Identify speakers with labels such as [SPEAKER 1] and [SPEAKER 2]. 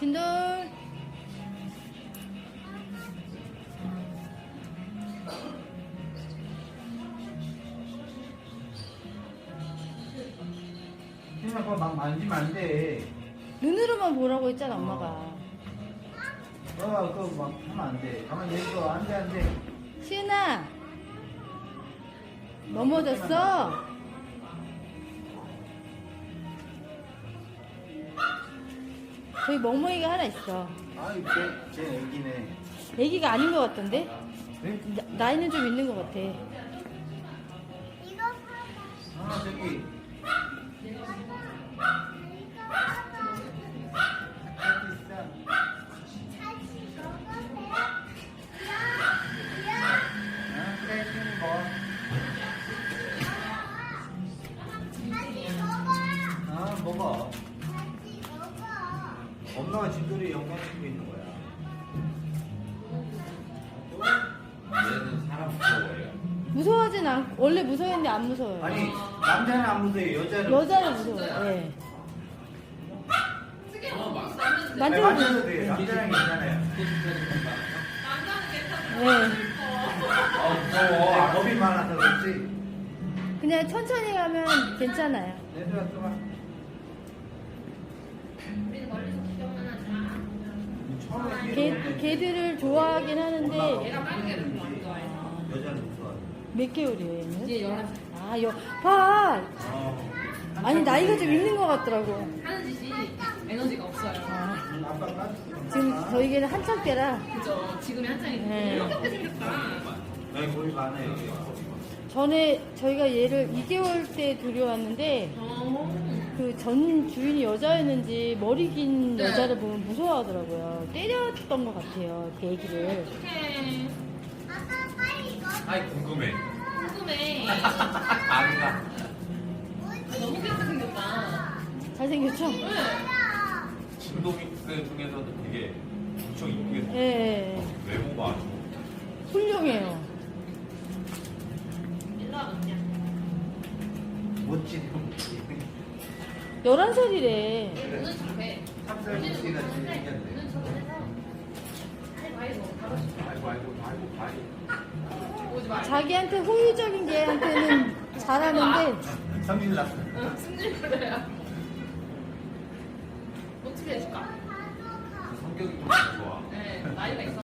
[SPEAKER 1] 진돌.
[SPEAKER 2] 희준아 그거 막 만지면 안 돼.
[SPEAKER 1] 눈으로만 보라고 했잖아, 엄마가.
[SPEAKER 2] 그거 막 하면 안 돼. 가만히 있어. 안 돼, 안 돼.
[SPEAKER 1] 시은아. 넘어졌어? 저기 멍멍이가 하나 있어.
[SPEAKER 2] 아이, 쟤 애기네.
[SPEAKER 1] 애기가 아닌 것 같던데?
[SPEAKER 2] 네?
[SPEAKER 1] 나이는 좀 있는 것 같아.
[SPEAKER 2] 아, 저기. 먹어. 엄마가 진돌이 영광시키고 있는 거야.
[SPEAKER 3] 얘는 사람 무서워해요.
[SPEAKER 1] 무서워하진 않고, 원래 무서웠는데 안 무서워요.
[SPEAKER 2] 아니, 남자는 안 무서워요. 여자는.
[SPEAKER 1] 여자는 무서워요. 예.
[SPEAKER 2] 아니,
[SPEAKER 1] 만져도
[SPEAKER 2] 만져도 돼요. 남자랑 괜찮아요.
[SPEAKER 1] 예.
[SPEAKER 2] 무서워. 아, 겁이 많아서 그렇지.
[SPEAKER 1] 그냥 천천히 가면 괜찮아요.
[SPEAKER 2] 얘들아, 들어와.
[SPEAKER 1] 개들을 좋아하긴 하는데
[SPEAKER 3] 얘가 빠른 개를 별로 안 좋아해.
[SPEAKER 2] 여자는 무서워.
[SPEAKER 1] 몇 개월이에요 얘는?
[SPEAKER 3] 이제 11살.
[SPEAKER 1] 봐!
[SPEAKER 2] 어.
[SPEAKER 1] 아니 나이가 좀 있는 것 같더라고.
[SPEAKER 3] 하는 짓이 에너지가 없어요.
[SPEAKER 2] 아빠 까줄게.
[SPEAKER 1] 지금 저희 개는 한창 때라
[SPEAKER 3] 그죠? 지금이 한창인데.
[SPEAKER 1] 네.
[SPEAKER 3] 이렇게 생겼다.
[SPEAKER 2] 여기 겁이 많아요.
[SPEAKER 1] 전에 저희가 얘를 2개월 때 들여왔는데 그 전 주인이 여자였는지 머리 긴
[SPEAKER 3] 네.
[SPEAKER 1] 여자를 보면 무서워하더라고요. 때렸던 것 같아요 그 애기를.
[SPEAKER 3] 어떡해.
[SPEAKER 4] 아이 궁금해.
[SPEAKER 3] 궁금해.
[SPEAKER 4] 아기가
[SPEAKER 3] 너무 귀엽게 생겼다.
[SPEAKER 1] 잘생겼죠?
[SPEAKER 3] 네.
[SPEAKER 4] 진동이들 중에서도 되게 엄청 이쁘게 생겼어.
[SPEAKER 1] 예.
[SPEAKER 4] 외모가 아주
[SPEAKER 1] 훌륭해요.
[SPEAKER 3] 일로 와봐, 그냥.
[SPEAKER 2] 멋지네.
[SPEAKER 1] 11살이래.
[SPEAKER 3] 눈은 잘해.
[SPEAKER 2] 찹쌀 무지가 생겼네.
[SPEAKER 3] 눈은 저번에서 아이고 아이고 가고 싶어.
[SPEAKER 4] 아이고 아이고 아이고
[SPEAKER 3] 오지 마.
[SPEAKER 1] 자기한테 호의적인 개한테는 잘하는데
[SPEAKER 2] 성질 났어.
[SPEAKER 3] 승질 그래요. 어떻게 해줄까?
[SPEAKER 4] 그 성격이 좀 좋아.
[SPEAKER 3] 네, 나이가 있어.